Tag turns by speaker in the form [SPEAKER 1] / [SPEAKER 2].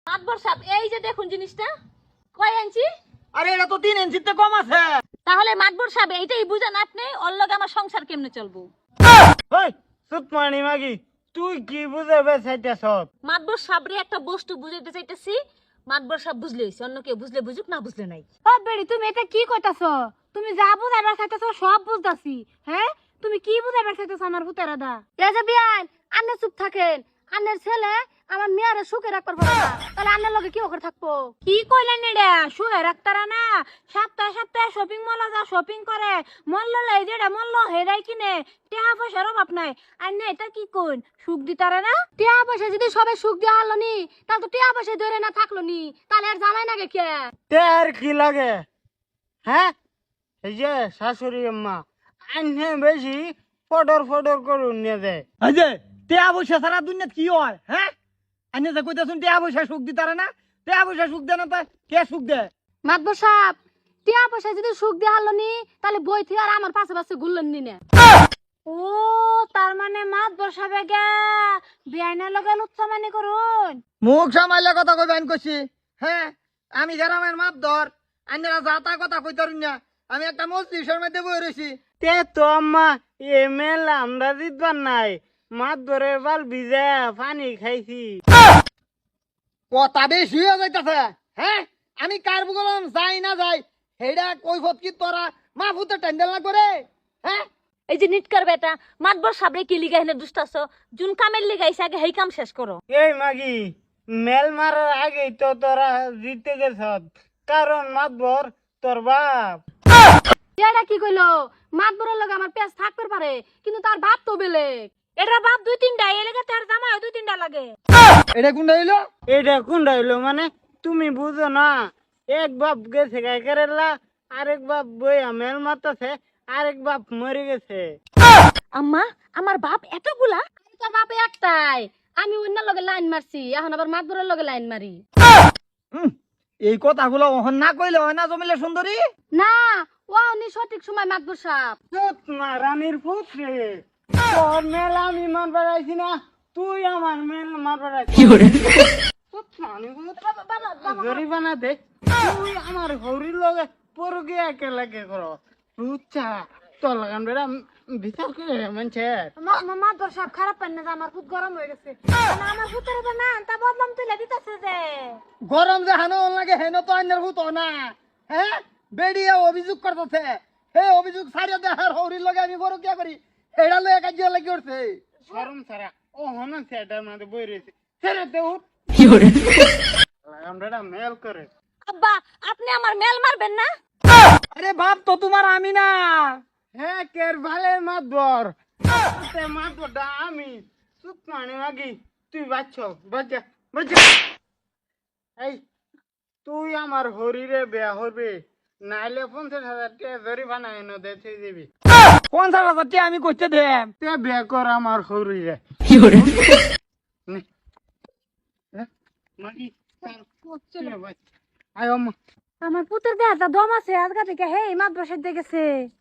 [SPEAKER 1] মাতবর সাহেব এই যে দেখুন জিনিসটা কয় ইঞ্চি?
[SPEAKER 2] আরে এটা তো 3 ইঞ্চিতে কম আছে।
[SPEAKER 1] তাহলে মাতবর সাহেব এইটাই বুঝেন আপনি ওর লগে আমার সংসার কেমনে চলবো।
[SPEAKER 2] ওই সুতমানি মাগি তুই কি বুঝাবে চাইতেছ?
[SPEAKER 1] মাতবর সাহেবরে একটা বস্তু বুঝাইতে চাইতেছি, মাতবর সাহেব বুঝলে হইছে, অন্য কেউ বুঝলে বুঝুক না বুঝলে নাই।
[SPEAKER 3] ও বেড়ি তুমি এটা কি কইতাছো? তুমি যা বুঝাইবার চাইতাছো সব বুঝতাছি। হ্যাঁ তুমি কি বুঝাইবার চাইতাছো আমার পুতেরা দা? এই যে বিয়ান আন্নে চুপ থাকেন। আন্নের ছেলে আমার মেয়ারে সুখে রাখবার পারে না, তাহলে আন্নের লগে কি করে থাকবো? কি কইলেন এটা? সুখে রাখতারা না, সপ্তাহে সপ্তাহে শপিং মলে যা শপিং করে, মল্ল লাই যেটা মল্ল হেরাই কিনে, টাকা পয়সার অভাব নাই। আন্নে এটা কি কইন? সুখ দিতারে না? টাকা পয়সা যদি সবে সুখ দিয়া হলো নি, তাহলে তো টাকা পয়সা ধরে না থাকলো নি, তাহলে আর জামাই নাগে কে?
[SPEAKER 2] তের কি লাগে? হ্যাঁ এই যে শাশুড়ি আম্মা আইনে বেশি ফডর ফডর করুন নিয়ে দেয়। এই যে টিয়া পয়সা সারা দুনিয়াত কি হয়? হ্যাঁ আইনে যে কইতাছুন টিয়া পয়সা সুখ দিতারে না, টিয়া পয়সা সুখ দেয় না তা কে সুখ দেয়?
[SPEAKER 3] মাতবর সাহেব টিয়া পয়সা যদি সুখ দিয়া হলো নি, তাহলে বই থেকে আর আমার পাশে পাশে ঘুরলেন নি না। ও তার মানে মাতবর সাহেব গে বিয়াইনা লগে লুচ্চামানি করুন।
[SPEAKER 2] মুখ সামাইলে কথা কইবেন কইছি। হ্যাঁ আমি গ্রামের মাপ ধর আইনেরা যাতা কথা কইতারুন না। আমি একটা মজলিসের মধ্যে বই রইছি। তে তো আম্মা এমএল আমরা জিতবার নাই, মাছ ধরে বাল ভিজে পানি খাইছি। কথা বেশি হয়ে যাইতাছে। হ্যাঁ আমি কার বললাম যাই না যাই হেডা কইফত কি তোরা মা ফুতে টেন্ডেল না করে? হ্যাঁ
[SPEAKER 1] এই যে নিটকার বেটা, মাতবর সাহেবরে কি লিগা হেনে দুষ্টাছ? জুন কামের লিগাইছে আগে হেই কাম শেষ করো।
[SPEAKER 2] এই মাগি মেল মারার আগেই তো তোরা জিতে গেছ, কারণ মাতবর তোর বাপ।
[SPEAKER 3] এটা কি কইলো? মাতবরের লগে আমার পেঁচ থাকতে পারে, কিন্তু তার বাপ তো বেলেগ।
[SPEAKER 1] এটা বাপ দুই তিনটা, এই লেগে তার জামাই দুই তিনটা লাগে।
[SPEAKER 2] এটা কোনটা হইলো? এটা কোনটা হইলো মানে তুমি বুঝো না? এক বাপ গেছে গাই কেরালা, আরেক বাপ বইয়া মেল মারতেছে, আরেক বাপ মরে গেছে।
[SPEAKER 1] আম্মা আমার বাপ এতগুলা?
[SPEAKER 3] তোর বাপে একটাই, আমি অন্য লগে লাইন মারছি, এখন আবার মাতবরের লগে লাইন মারি।
[SPEAKER 2] এই কথাগুলো ওহন না কইলে হয় না জমিলে সুন্দরী।
[SPEAKER 3] না ও উনি সঠিক সময় মাতবর সাহেব।
[SPEAKER 2] রানীর পুত্রে তোর মেল আমি মারবার আইছি না, তুই আমার মেল মারবার আইছি। জরিমানা দে, তুই আমার হরির লগে পরগে একেলগে করো। রুচা তোর লাগান বেড়া বিচার করে মানছে।
[SPEAKER 3] মাতবর সাহেব খারাপ পান না যে আমার খুব গরম হয়ে গেছে, আমার পুতের না তা বদলাম তুলে দিতেছে যে।
[SPEAKER 2] গরম যে হানো লাগে হেন তো আইনের ভূত না। হ্যাঁ বেড়িয়ে অভিযোগ করতেছে, হে অভিযোগ ছাড়িয়ে দে আর হরির লগে আমি বড় কি করি হেডা লয়ে কাজ লাগি করছে। শরম ছাড়া ও হন সেটার মধ্যে বই রয়েছে ছেড়ে দে উঠ কি করে আমরা মেল করে।
[SPEAKER 1] আব্বা আপনি আমার মেল মারবেন না?
[SPEAKER 2] আরে বাপ তো তোমার আমি না। হ্যাঁ কের ভালে মাতবর মাতবরটা আমি চুপ মানে মাগি তুই বাচ্চ বাচ্চা বাচ্চা। এই তুই আমার হরিরে বেয়া হরবে নাইলে 50,000 টাকা জরিমানা এনে দে তুই দিবি। 50,000 টাকা আমি করতে দে তুই বেয়া কর আমার হরিরে। কি করে মাগি আয়
[SPEAKER 3] আমার পুতের দেহটা দম আছে, আজকা থেকে হে মাতবর সাহেব দেখেছে।